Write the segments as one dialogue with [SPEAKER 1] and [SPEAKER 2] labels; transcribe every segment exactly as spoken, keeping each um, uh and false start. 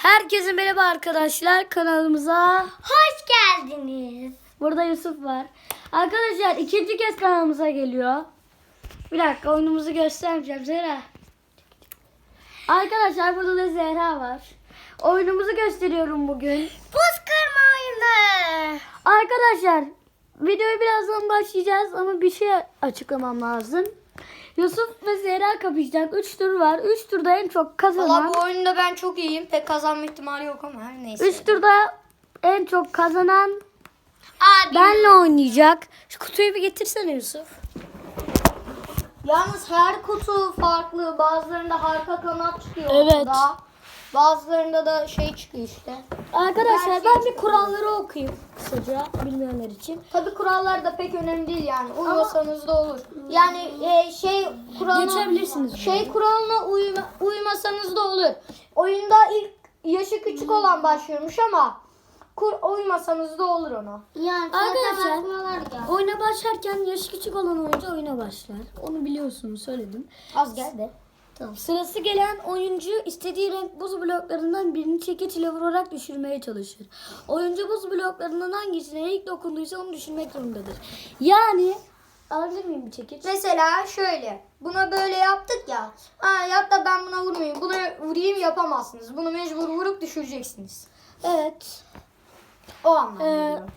[SPEAKER 1] Herkese merhaba arkadaşlar, kanalımıza
[SPEAKER 2] hoş geldiniz.
[SPEAKER 1] Burada Yusuf var. Arkadaşlar ikinci kez kanalımıza geliyor. Bir dakika, oyunumuzu göstermeyeceğim. Zehra. Arkadaşlar burada da Zehra var. Oyunumuzu gösteriyorum bugün.
[SPEAKER 2] Buz kırma oyunu.
[SPEAKER 1] Arkadaşlar videoyu birazdan başlayacağız ama bir şey açıklamam lazım. Yusuf ve Zehra kapışacak. üç tur var. üç turda en çok kazanan.
[SPEAKER 2] Valla bu oyunda ben çok iyiyim. Pek kazanma ihtimali yok ama her neyse.
[SPEAKER 1] üç turda en çok kazanan
[SPEAKER 2] Abi.
[SPEAKER 1] benle oynayacak. Şu kutuyu bir getirsene Yusuf.
[SPEAKER 2] Yalnız her kutu farklı. Bazılarında harika kanat çıkıyor.
[SPEAKER 1] Evet.
[SPEAKER 2] ortada. Bazılarında da şey çıkıyor işte.
[SPEAKER 1] Arkadaşlar ben bir kuralları okuyayım kısaca bilmeyenler için.
[SPEAKER 2] Tabi kurallar da pek önemli değil yani. Uymasanız da olur. Yani e, şey kuralına
[SPEAKER 1] Geçebilirsiniz.
[SPEAKER 2] şey kuralına uyma, uymasanız da olur. Oyunda ilk yaşı küçük olan başlıyormuş ama kur, uymasanız da olur ona. Yani
[SPEAKER 1] Arkadaşlar oyuna başlarken yaşı küçük olan oyuncu oyuna başlar. Onu biliyorsunuz, söyledim.
[SPEAKER 2] az geldi.
[SPEAKER 1] Tamam. Sırası gelen oyuncu istediği renk buz bloklarından birini çekiç ile vurarak düşürmeye çalışır. Oyuncu buz bloklarından hangisine ilk dokunduysa onu düşürmek zorundadır. Yani alabilir miyim bir çekiç?
[SPEAKER 2] Mesela şöyle. Buna böyle yaptık ya. Ha yap da ben buna vurmayayım. Buna vurayım yapamazsınız. Bunu mecbur vurup düşüreceksiniz.
[SPEAKER 1] Evet.
[SPEAKER 2] O anlamda.
[SPEAKER 1] Ee,
[SPEAKER 2] diyorum.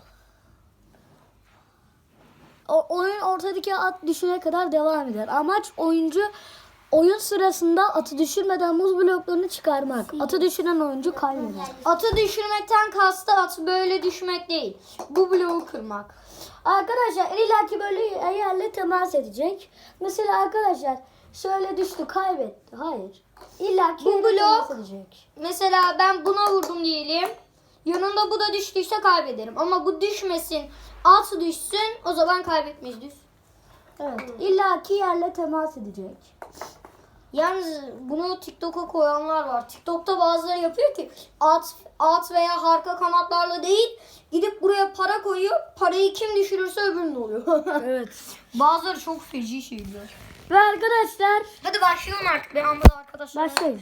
[SPEAKER 1] O, oyun ortadaki at düşene kadar devam eder. Amaç oyuncu oyun sırasında atı düşürmeden buz bloklarını çıkarmak. Atı düşüren oyuncu kaybeder.
[SPEAKER 2] Atı düşürmekten kastı atı böyle düşmek değil. Bu bloğu kırmak.
[SPEAKER 1] Arkadaşlar illaki böyle yerle temas edecek. Mesela arkadaşlar şöyle düştü, kaybetti. Hayır. İllaki
[SPEAKER 2] Bu
[SPEAKER 1] yerle
[SPEAKER 2] blok-
[SPEAKER 1] temas edecek.
[SPEAKER 2] Mesela ben buna vurdum diyelim. Yanında bu da düştüyse kaybederim. Ama bu düşmesin. At düşsün o zaman kaybetmeyiz düz.
[SPEAKER 1] Evet. İllaki yerle temas edecek.
[SPEAKER 2] Yalnız bunu TikTok'a koyanlar var. TikTok'ta bazıları yapıyor ki at at veya harika kanatlarla değil gidip buraya para koyuyor. Parayı kim düşürürse öbürünün oluyor.
[SPEAKER 1] Evet.
[SPEAKER 2] Bazıları çok feci şeyler.
[SPEAKER 1] Ve arkadaşlar
[SPEAKER 2] Hadi başlayalım artık. Ben anladım arkadaşlar.
[SPEAKER 1] başlayız.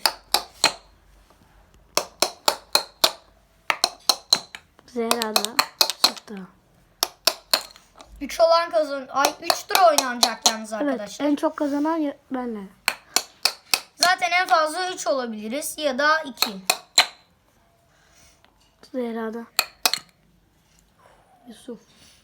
[SPEAKER 1] Zehra da çıktı.
[SPEAKER 2] üç olan kazan. Ay üç tur oynanacak yalnız
[SPEAKER 1] Evet,
[SPEAKER 2] arkadaşlar.
[SPEAKER 1] en çok kazanan ya- benle.
[SPEAKER 2] Zaten en fazla üç olabiliriz ya da iki.
[SPEAKER 1] Zehra'da. Yusuf.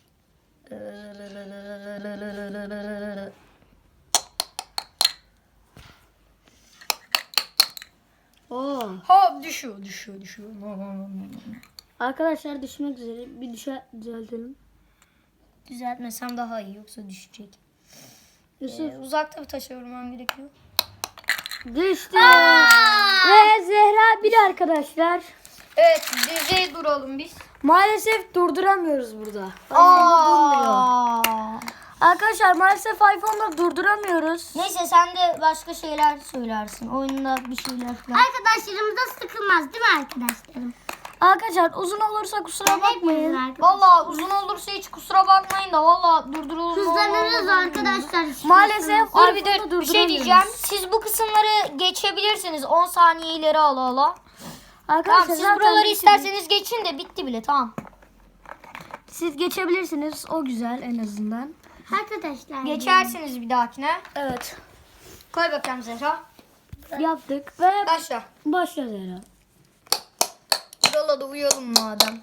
[SPEAKER 1] Oo.
[SPEAKER 2] Hop düşüyor, düşüyor, düşüyor.
[SPEAKER 1] Arkadaşlar düşmek üzere. Bir düşe düzeltelim.
[SPEAKER 2] Düzeltmesem daha iyi yoksa düşecek.
[SPEAKER 1] Yusuf
[SPEAKER 2] Ee, uzakta bir taşa vurmam gerekiyor.
[SPEAKER 1] düştü. Ve Zehra bir arkadaşlar.
[SPEAKER 2] Evet, düzey duralım biz.
[SPEAKER 1] Maalesef durduramıyoruz burada.
[SPEAKER 2] Aa.
[SPEAKER 1] Arkadaşlar maalesef iPhone'da durduramıyoruz.
[SPEAKER 2] Neyse sen de başka şeyler söylersin. Oyunda bir şeyler falan.
[SPEAKER 3] Arkadaşlarımız da sıkılmaz değil mi arkadaşlarım?
[SPEAKER 1] Arkadaşlar uzun olursa kusura bakmayın.
[SPEAKER 2] Valla uzun olursa hiç kusura bakmayın da valla durdurulur.
[SPEAKER 3] Hızlanırız arkadaşlar.
[SPEAKER 1] Maalesef
[SPEAKER 2] Dur bir,
[SPEAKER 1] iPhone'da
[SPEAKER 2] de, bir şey diyeceğim.
[SPEAKER 1] durduramıyoruz.
[SPEAKER 2] Siz bu kısımları geçebilirsiniz. on saniye ileri ala ala.
[SPEAKER 1] Arkadaşlar
[SPEAKER 2] Tamam siz
[SPEAKER 1] zaten
[SPEAKER 2] buraları
[SPEAKER 1] geçebil-
[SPEAKER 2] isterseniz geçin de bitti bile tamam.
[SPEAKER 1] Siz geçebilirsiniz. O güzel en azından.
[SPEAKER 3] Arkadaşlar.
[SPEAKER 2] Geçersiniz bir dahakine.
[SPEAKER 1] Evet.
[SPEAKER 2] Koy bakalım Zehra.
[SPEAKER 1] Yaptık ve
[SPEAKER 2] Başla.
[SPEAKER 1] başla Zehra.
[SPEAKER 2] Yola da uyalım madem.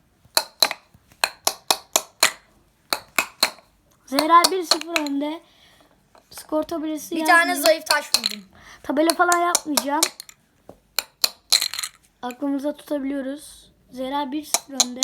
[SPEAKER 1] Zehra bir sıfır önde. Skor tabelası
[SPEAKER 2] Bir
[SPEAKER 1] yazmıyor.
[SPEAKER 2] tane zayıf taş buldum.
[SPEAKER 1] Tabela falan yapmayacağım. Aklımızda tutabiliyoruz. Zehra bir sıfır önde.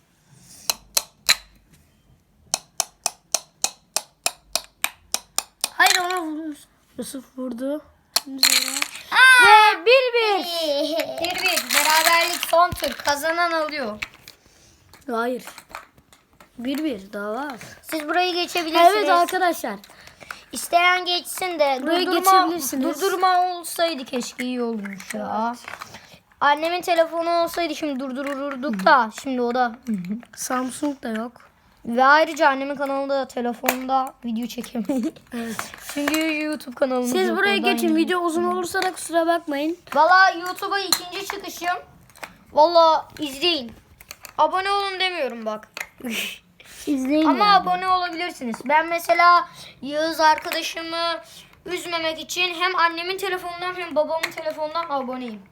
[SPEAKER 1] Hayır, ona vurmuş. Yusuf vurdu. Şimdi Zehra. Ve bir bir.
[SPEAKER 2] Bir bir. Beraberlik son tur. Kazanan alıyor.
[SPEAKER 1] Hayır. Bir bir daha var.
[SPEAKER 2] Siz burayı geçebilirsiniz.
[SPEAKER 1] Evet arkadaşlar.
[SPEAKER 2] İsteyen geçsin de
[SPEAKER 1] Burayı
[SPEAKER 2] durdurma,
[SPEAKER 1] geçebilirsiniz.
[SPEAKER 2] durdurma olsaydı keşke iyi olmuş ya. Annemin telefonu olsaydı şimdi durdururduk da şimdi o da.
[SPEAKER 1] Samsung da yok.
[SPEAKER 2] Ve ayrıca annemin kanalında telefonda video çekemeyiz.
[SPEAKER 1] Evet.
[SPEAKER 2] Çünkü YouTube kanalımız
[SPEAKER 1] Siz
[SPEAKER 2] yok,
[SPEAKER 1] buraya
[SPEAKER 2] oradan
[SPEAKER 1] geçin.
[SPEAKER 2] yürü.
[SPEAKER 1] Video uzun olursa da kusura bakmayın.
[SPEAKER 2] Valla YouTube'a ikinci çıkışım. Valla izleyin. Abone olun demiyorum bak.
[SPEAKER 1] İzleyin
[SPEAKER 2] Ama
[SPEAKER 1] yani.
[SPEAKER 2] abone olabilirsiniz. Ben mesela Yağız arkadaşımı üzmemek için hem annemin telefonundan hem babamın telefonundan aboneyim.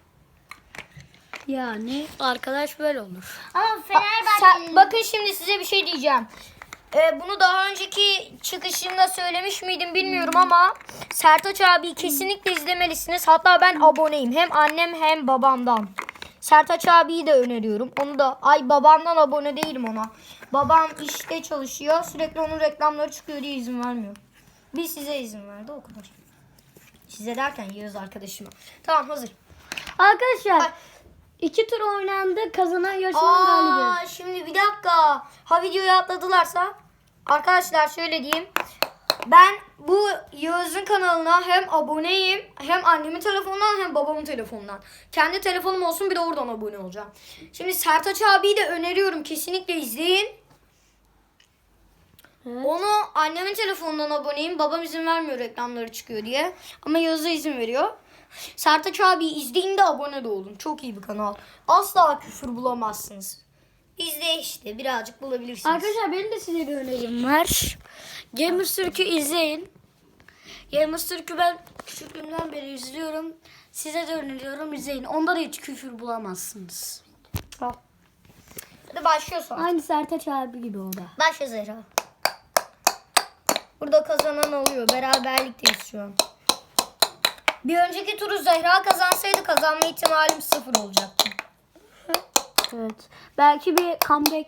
[SPEAKER 1] Yani arkadaş böyle olur.
[SPEAKER 3] Ama
[SPEAKER 2] Sen-
[SPEAKER 3] Fenerbahçe'nin
[SPEAKER 2] bakın şimdi size bir şey diyeceğim. Ee, bunu daha önceki çıkışımda söylemiş miydim bilmiyorum ama Sertaç abi kesinlikle izlemelisiniz. Hatta ben aboneyim. Hem annem hem babamdan. Sertaç abiyi de öneriyorum. Onu da ay babamdan abone değilim ona. Babam işte çalışıyor. Sürekli onun reklamları çıkıyor diye izin vermiyor. Bir size izin verdi o kadar. Size derken Yağız arkadaşıma. Tamam hazır.
[SPEAKER 1] Arkadaşlar
[SPEAKER 2] Ay.
[SPEAKER 1] iki tur oynandı. Kazanan yarışmanın galibi.
[SPEAKER 2] Aa, şimdi bir dakika. Ha videoyu atladılarsa. Arkadaşlar şöyle diyeyim. Ben bu Yağız'ın kanalına hem aboneyim hem annemin telefonundan hem babamın telefonundan. Kendi telefonum olsun bir de oradan abone olacağım. Şimdi Sertaç abiyi de öneriyorum. Kesinlikle izleyin.
[SPEAKER 1] Evet.
[SPEAKER 2] Onu annemin telefonundan aboneyim. Babam izin vermiyor reklamları çıkıyor diye. Ama Yağız'a izin veriyor. Sertaç abi izleyin de abone de olun. Çok iyi bir kanal. Asla küfür bulamazsınız. İzle işte birazcık bulabilirsiniz.
[SPEAKER 1] Arkadaşlar benim de size bir önerim var. Gamers Türk'ü izleyin. Gamers Türk'ü ben küçüklüğümden beri izliyorum. Size de öneriyorum izleyin. Onda da hiç küfür bulamazsınız.
[SPEAKER 2] Al. Hadi başlıyorsun.
[SPEAKER 1] Aynı Sertaç abi gibi o da.
[SPEAKER 2] Başla Zehra. Burada kazanan oluyor. Beraberlikteyiz şu an. Bir önceki turu Zehra kazansaydı kazanma ihtimalim sıfır olacaktı.
[SPEAKER 1] Evet. Belki bir comeback.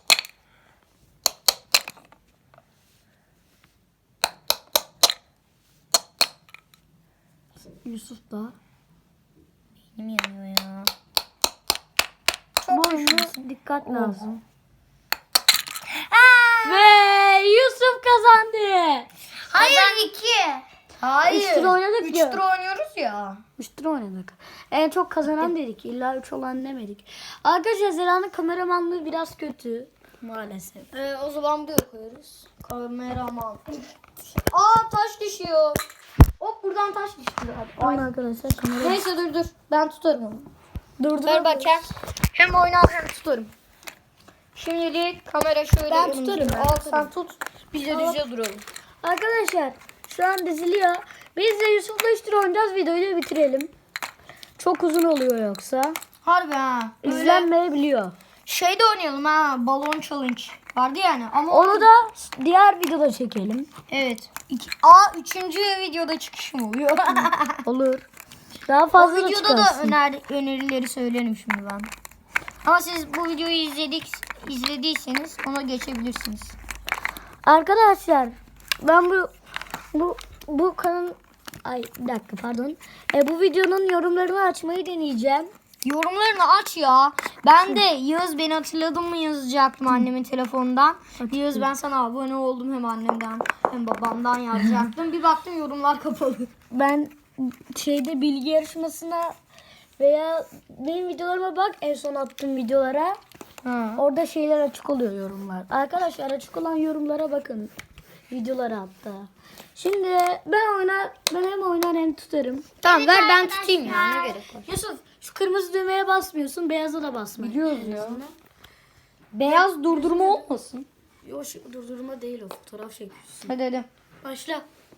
[SPEAKER 1] Yusuf da.
[SPEAKER 2] Benim yanıyor ya.
[SPEAKER 1] Bu
[SPEAKER 2] Çok
[SPEAKER 1] oyuna
[SPEAKER 2] güçlüsün.
[SPEAKER 1] dikkat lazım. Ve Yusuf kazandı.
[SPEAKER 2] Hayır iki. Hayır.
[SPEAKER 1] Üç tur oynadık
[SPEAKER 2] Üç
[SPEAKER 1] ya.
[SPEAKER 2] tur oynuyoruz ya.
[SPEAKER 1] üç tur oynadık. En çok kazanan dedik. İlla üç olan demedik. Arkadaşlar Zela'nın kameramanlığı biraz kötü. Maalesef.
[SPEAKER 2] Ee, o zaman buraya koyuyoruz. Kameraman. Aa taş düşüyor. Hop buradan taş düştü.
[SPEAKER 1] Tamam arkadaşlar kamera.
[SPEAKER 2] Neyse dur dur. Ben tutarım onu.
[SPEAKER 1] Durdur.
[SPEAKER 2] Ver bakayım. Hem oynar hem tutarım. Şimdilik kamera şöyle
[SPEAKER 1] Ben
[SPEAKER 2] önümüzde.
[SPEAKER 1] tutarım, ben
[SPEAKER 2] Al
[SPEAKER 1] tutarım.
[SPEAKER 2] sen tut. Biz de düzce duralım.
[SPEAKER 1] Arkadaşlar şu an diziliyor. Biz de Yusuf'la üç tur oynayacağız. Videoyu da bitirelim. Çok uzun oluyor yoksa.
[SPEAKER 2] Harbi ha. Böyle
[SPEAKER 1] İzlenmeyebiliyor.
[SPEAKER 2] şey de oynayalım ha. Balon challenge. Vardı yani ama
[SPEAKER 1] Onu da diğer videoda çekelim.
[SPEAKER 2] evet. İki, aa üçüncü videoda çıkışım oluyor.
[SPEAKER 1] Olur. Daha
[SPEAKER 2] O
[SPEAKER 1] fazla da
[SPEAKER 2] videoda da
[SPEAKER 1] çıkarsın.
[SPEAKER 2] öner, önerileri söylerim şimdi ben. Ama siz bu videoyu izledik izlediyseniz ona geçebilirsiniz.
[SPEAKER 1] Arkadaşlar ben bu bu bu kanal ay bir dakika pardon. E, bu videonun yorumlarını açmayı deneyeceğim.
[SPEAKER 2] Yorumlarını aç ya. Ben de Yağız beni hatırladın mı yazacaktım annemin telefonundan. Yağız ben sana abone oldum hem annemden hem babamdan yazacaktım. Bir baktım yorumlar kapalı.
[SPEAKER 1] Ben şeyde bilgi yarışmasına veya benim videolarıma bak en son attığım videolara.
[SPEAKER 2] Ha.
[SPEAKER 1] Orada şeyler açık oluyor yorumlar. Arkadaşlar açık olan yorumlara bakın. Videolara hatta. Şimdi ben oynar ben hem oynar hem tutarım.
[SPEAKER 2] Tamam ver ben
[SPEAKER 3] arkadaşlar.
[SPEAKER 2] tutayım ya ne gerek var.
[SPEAKER 1] Yusuf şu kırmızı düğmeye basmıyorsun, beyaza da basma.
[SPEAKER 2] Biliyoruz ya. Beyaz durdurma olmasın.
[SPEAKER 1] Yok şu durdurma değil o fotoğraf çekiyorsun.
[SPEAKER 2] Hadi hadi.
[SPEAKER 1] Başla.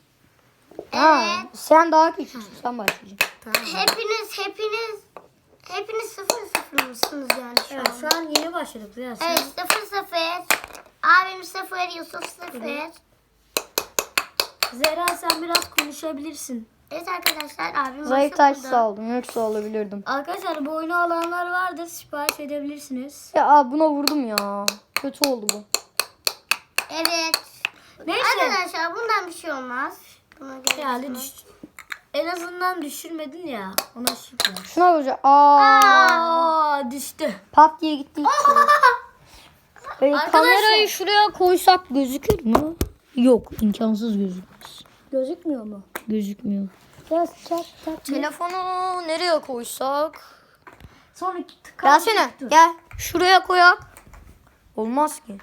[SPEAKER 2] Ha, sen daha küçüksün sen başlayacaksın.
[SPEAKER 3] hepiniz hepiniz hepiniz sıfır sıfır mısınız yani şu
[SPEAKER 1] Evet
[SPEAKER 3] an?
[SPEAKER 1] şu an yeni başladık biraz.
[SPEAKER 3] Evet sıfır sıfır. Abim sıfır, Yusuf sıfır.
[SPEAKER 1] Zehra sen biraz konuşabilirsin.
[SPEAKER 3] Evet arkadaşlar abim
[SPEAKER 2] Zayıf
[SPEAKER 3] WhatsApp'ta.
[SPEAKER 2] taş aldım yoksa alabilirdim.
[SPEAKER 1] Arkadaşlar bu oyunu alanlar vardır. Sipariş edebilirsiniz.
[SPEAKER 2] Ya aa, buna vurdum ya. Kötü oldu bu.
[SPEAKER 3] Evet.
[SPEAKER 1] Neyse.
[SPEAKER 3] Arkadaşlar bundan bir şey olmaz. Buna
[SPEAKER 1] Yani
[SPEAKER 3] görüyorsunuz.
[SPEAKER 1] düş en azından düşürmedin ya. Ona şükür.
[SPEAKER 2] Şuna vuracağım. Aa,
[SPEAKER 1] Aa düştü.
[SPEAKER 2] pat diye gitti. Ee,
[SPEAKER 1] Arkadaşlar-
[SPEAKER 2] kamerayı şuraya koysak gözükür mü? Yok imkansız gözükmez.
[SPEAKER 1] Gözükmüyor mu?
[SPEAKER 2] Gözükmüyor.
[SPEAKER 1] Biraz çarp çarp.
[SPEAKER 2] Telefonu nereye koysak?
[SPEAKER 1] Sonra tık-
[SPEAKER 2] Gelsene
[SPEAKER 1] dur.
[SPEAKER 2] gel. Şuraya koyak. Olmaz ki.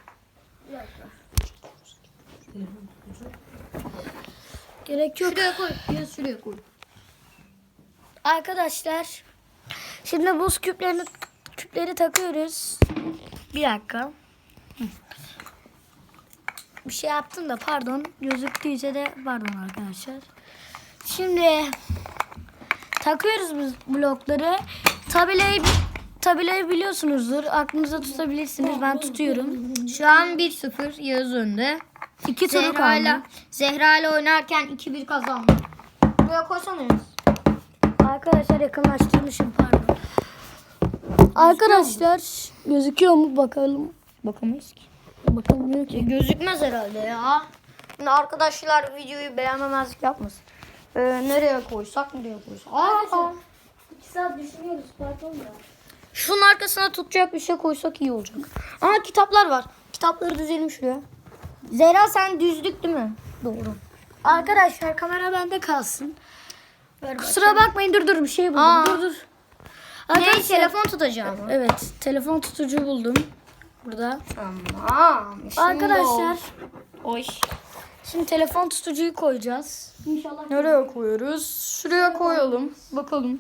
[SPEAKER 1] Gerek yok.
[SPEAKER 2] Şuraya koy. Gel şuraya koy.
[SPEAKER 1] Arkadaşlar şimdi buz küplerini Küpleri takıyoruz. Bir dakika. Hı. Bir şey yaptım da pardon. Gözüktüyse de pardon arkadaşlar. Şimdi takıyoruz biz blokları. Tabelayı tabelayı biliyorsunuzdur. Aklınıza tutabilirsiniz. Ben tutuyorum.
[SPEAKER 2] Şu an bir sıfır Yağız önde.
[SPEAKER 1] İki turu
[SPEAKER 2] Zehra ile
[SPEAKER 1] kaldı.
[SPEAKER 2] Zehra ile oynarken iki bir kazandı. Buraya koysana Yağız.
[SPEAKER 1] Arkadaşlar yakınlaştırmışım pardon. Arkadaşlar gözüküyor mu bakalım.
[SPEAKER 2] Bakamayız ki.
[SPEAKER 1] Bakalım ki.
[SPEAKER 2] Gözükmez herhalde ya. Şimdi arkadaşlar videoyu beğenmemezlik yapmasın. Ee, nereye koysak nereye koysak. Aa,
[SPEAKER 1] İki saat düşünüyoruz pardon da.
[SPEAKER 2] şunun arkasına tutacak bir şey koysak iyi olacak. Aa, kitaplar var. Kitapları düzelim şuraya. Zehra sen düzlük değil mi? Doğru.
[SPEAKER 1] Arkadaşlar kamera bende kalsın.
[SPEAKER 2] Ver
[SPEAKER 1] Kusura bakmayın dur dur bir şey buldum.
[SPEAKER 2] Aa.
[SPEAKER 1] Dur dur.
[SPEAKER 2] Ne,
[SPEAKER 1] Arkadaşlar,
[SPEAKER 2] telefon tutacağım.
[SPEAKER 1] evet telefon tutucu buldum. Burada.
[SPEAKER 2] Tamam. Şimdi
[SPEAKER 1] Arkadaşlar
[SPEAKER 2] o- Oy.
[SPEAKER 1] şimdi telefon tutucuyu koyacağız. İnşallah.
[SPEAKER 2] Nereye koyuyoruz? Şuraya koyalım. Bakalım.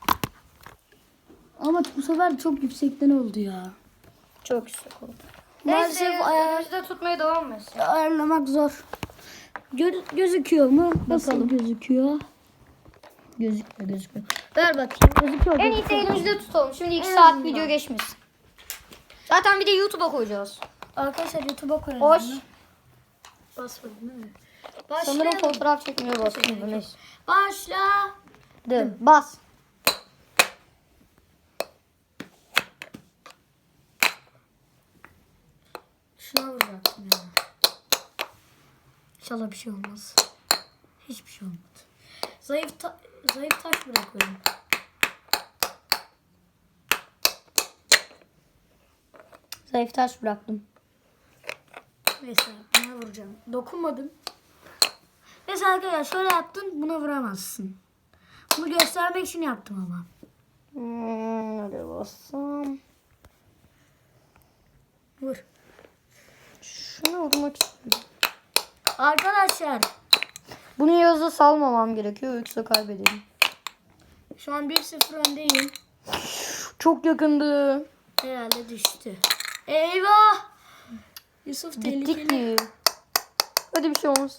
[SPEAKER 1] Ama bu sefer çok yüksekten oldu ya.
[SPEAKER 2] Çok yüksek oldu.
[SPEAKER 1] Maalesef
[SPEAKER 2] Neyse
[SPEAKER 1] ayar-
[SPEAKER 2] ayağımızda tutmaya devam etsin.
[SPEAKER 1] ayarlamak zor. Gö- gözüküyor mu? Nasıl
[SPEAKER 2] Bakalım.
[SPEAKER 1] gözüküyor?
[SPEAKER 2] Gözükmüyor gözükmüyor. Ver bakayım.
[SPEAKER 1] Gözüküyor.
[SPEAKER 2] En iyisi elimizde tutalım. Şimdi iki saat video geçmesin. Zaten bir de YouTube'a koyacağız.
[SPEAKER 1] Arkadaşlar YouTube'a koyalım.
[SPEAKER 2] Hoş.
[SPEAKER 1] bunu. Basmadım değil mi?
[SPEAKER 2] Sanırım
[SPEAKER 1] Başlayalım.
[SPEAKER 2] fotoğraf çekmeye basıyordu. Neyse.
[SPEAKER 1] Başla.
[SPEAKER 2] Dı. Bas.
[SPEAKER 1] Şuna vuracaktım ya. İnşallah bir şey olmaz. Hiçbir şey olmadı. Zayıf ta- zayıf taş bırakıyorum.
[SPEAKER 2] Zayıf taş bıraktım.
[SPEAKER 1] Neyse buna vuracağım. Dokunmadım. Mesela arkadaşlar şöyle yaptın buna vuramazsın. Bunu göstermek için yaptım ama.
[SPEAKER 2] Hmm, nereye bassam?
[SPEAKER 1] Vur.
[SPEAKER 2] Şunu vurmak istiyorum.
[SPEAKER 1] Arkadaşlar
[SPEAKER 2] Bunu Yağız'a salmamam gerekiyor yoksa kaybederim.
[SPEAKER 1] şu an bir sıfır öndeyim.
[SPEAKER 2] Çok yakındı.
[SPEAKER 1] Herhalde düştü. Eyvah! Yusuf
[SPEAKER 2] Gittik
[SPEAKER 1] tehlikeli.
[SPEAKER 2] ki. Hadi bir şey olmaz.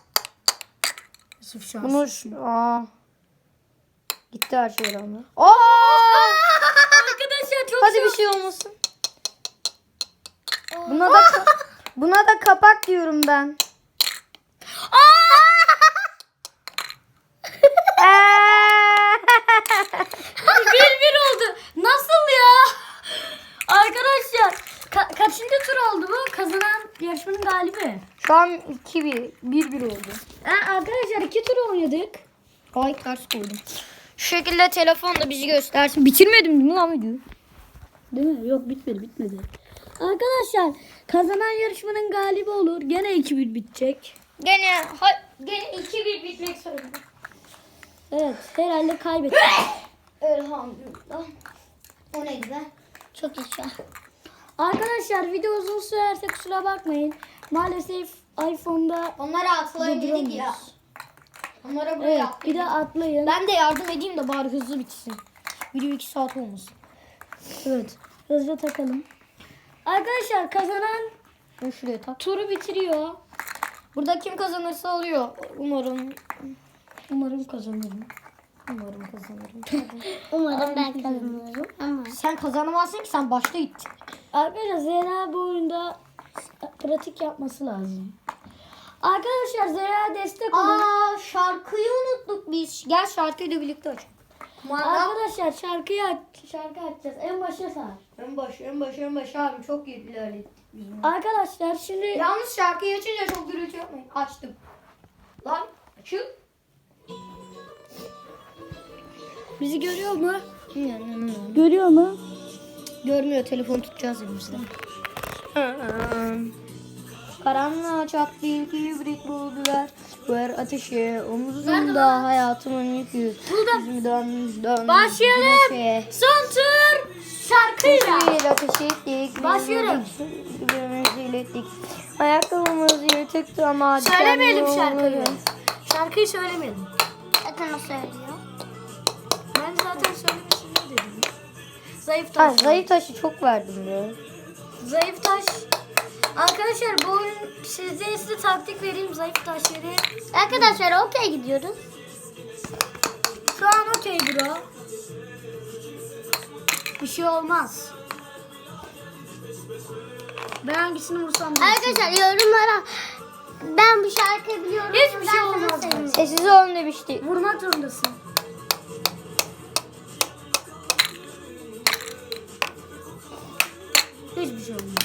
[SPEAKER 1] Yusuf şans.
[SPEAKER 2] Bunu şu- aa. Gitti her şey rağmen. Aa!
[SPEAKER 1] Arkadaşlar çok
[SPEAKER 2] Hadi
[SPEAKER 1] zor.
[SPEAKER 2] bir şey olmasın. Buna da buna da kapak diyorum ben.
[SPEAKER 1] bir bir oldu. Nasıl ya? Arkadaşlar ka- kaçıncı tur oldu bu? Kazanan yarışmanın galibi.
[SPEAKER 2] Şu an iki bir. bir bir oldu.
[SPEAKER 1] Ha, arkadaşlar iki tur oynadık.
[SPEAKER 2] Ay ters koydum. Şu şekilde telefon da bizi göstersin. Bitirmedim değil mi lan videoyu?
[SPEAKER 1] Değil mi? Yok bitmedi bitmedi. Arkadaşlar kazanan yarışmanın galibi olur. Gene iki bir bitecek.
[SPEAKER 2] Gene ha, gene iki bir bitmek zorunda.
[SPEAKER 1] Evet herhalde kaybettik.
[SPEAKER 2] Elhamdülillah. O neydi be?
[SPEAKER 3] Çok iyi şu an.
[SPEAKER 1] Arkadaşlar video uzun sürerse kusura bakmayın. Maalesef iPhone'da
[SPEAKER 2] Onlara atlayın dedik ya. Onlara buraya
[SPEAKER 1] evet,
[SPEAKER 2] atlayın.
[SPEAKER 1] bir de atlayın.
[SPEAKER 2] Ben de yardım edeyim de bari hızlı bitsin. Video iki saat olmasın.
[SPEAKER 1] Evet. Hızlı takalım. Arkadaşlar kazanan
[SPEAKER 2] Ben şuraya tak.
[SPEAKER 1] turu bitiriyor.
[SPEAKER 2] Burada kim kazanırsa alıyor. Umarım.
[SPEAKER 1] Umarım kazanırım.
[SPEAKER 2] Umarım kazanırım.
[SPEAKER 3] Umarım ben kazanırım ama.
[SPEAKER 2] Sen kazanamazsın ki sen başta gittin.
[SPEAKER 1] Arkadaşlar Zehra bu oyunda pratik yapması lazım. Arkadaşlar Zehra destek olun.
[SPEAKER 2] Aa, şarkıyı unuttuk biz. Gel şarkıyı da birlikte açalım.
[SPEAKER 1] Arkadaşlar şarkıyı aç, şarkı açacağız. En başa sar.
[SPEAKER 2] En baş, en baş, en baş abi çok iyi ilerledik biz.
[SPEAKER 1] Arkadaşlar şimdi
[SPEAKER 2] Yalnız şarkıyı açınca çok gürültü yapmayın. Açtım. Lan açıl.
[SPEAKER 1] bizi görüyor mu? Görüyor mu?
[SPEAKER 2] Görmüyor, telefon tutacağız elimizde. Karanlığa çat bir kibrit buldular. Ver ateşe omuzumda hayatımın yükü. Yüzümden yüzden.
[SPEAKER 1] Başlayalım. Son tur şarkıyla.
[SPEAKER 2] Bir ateş ettik.
[SPEAKER 1] Başlıyorum.
[SPEAKER 2] Birbirimizi ilettik. Ayakkabımız yırtıktı ama.
[SPEAKER 1] Söylemeyelim
[SPEAKER 2] dikenli
[SPEAKER 1] şarkıyı.
[SPEAKER 2] yolları.
[SPEAKER 1] Şarkıyı söylemeyelim.
[SPEAKER 3] Zaten o söylüyor.
[SPEAKER 1] Ben zaten söylemesini dedim. Zayıf
[SPEAKER 2] Ha,
[SPEAKER 1] taş.
[SPEAKER 2] zayıf taşı çok verdim ya.
[SPEAKER 1] Zayıf taş. Arkadaşlar bu oyun size size taktik vereyim zayıf taşları.
[SPEAKER 3] Arkadaşlar okey gidiyoruz.
[SPEAKER 1] Şu an okey bro. Bir şey olmaz. Ben hangisini vursam da
[SPEAKER 3] Arkadaşlar yorumlara ben bu şarkıyı biliyorum.
[SPEAKER 1] Hiçbir şey
[SPEAKER 3] yazarsanız
[SPEAKER 1] olmaz.
[SPEAKER 3] sevinirim.
[SPEAKER 2] Sessiz olun demişti.
[SPEAKER 1] vurmak zorundasın. Hiçbir şey olmaz.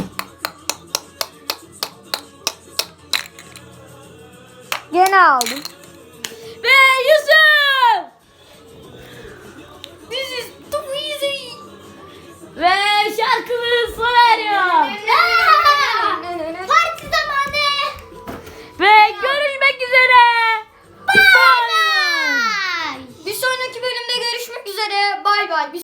[SPEAKER 2] Gene aldım.
[SPEAKER 1] Ve Yusuf! This is too easy. Ve şarkımız sona eriyor.
[SPEAKER 3] Parti zamanı.
[SPEAKER 1] Ve görüşmek üzere.
[SPEAKER 3] Bye bye.
[SPEAKER 2] Bir sonraki bölümde görüşmek üzere. Bay bay.